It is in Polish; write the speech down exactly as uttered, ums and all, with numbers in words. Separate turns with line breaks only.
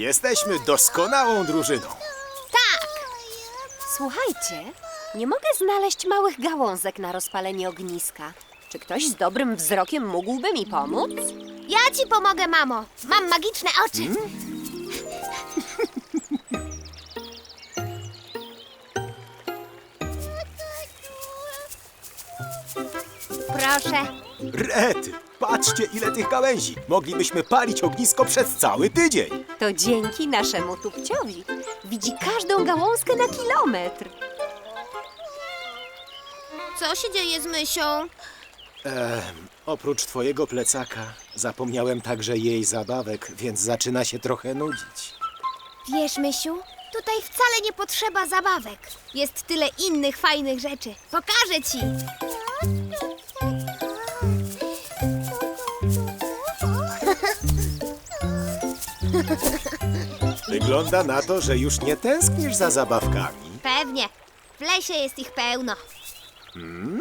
Jesteśmy doskonałą drużyną.
Tak!
Słuchajcie, nie mogę znaleźć małych gałązek na rozpalenie ogniska. Czy ktoś z dobrym wzrokiem mógłby mi pomóc?
Ja ci pomogę, mamo. Mam magiczne oczy. Proszę.
Rety, patrzcie ile tych gałęzi. Moglibyśmy palić ognisko przez cały tydzień.
To dzięki naszemu tupciowi. Widzi każdą gałązkę na kilometr.
Co się dzieje z Mysią?
Ehm, oprócz twojego plecaka zapomniałem także jej zabawek, więc zaczyna się trochę nudzić.
Wiesz, Mysiu, tutaj wcale nie potrzeba zabawek. Jest tyle innych fajnych rzeczy. Pokażę ci.
Wygląda na to, że już nie tęsknisz za zabawkami.
Pewnie. W lesie jest ich pełno.
Hmm?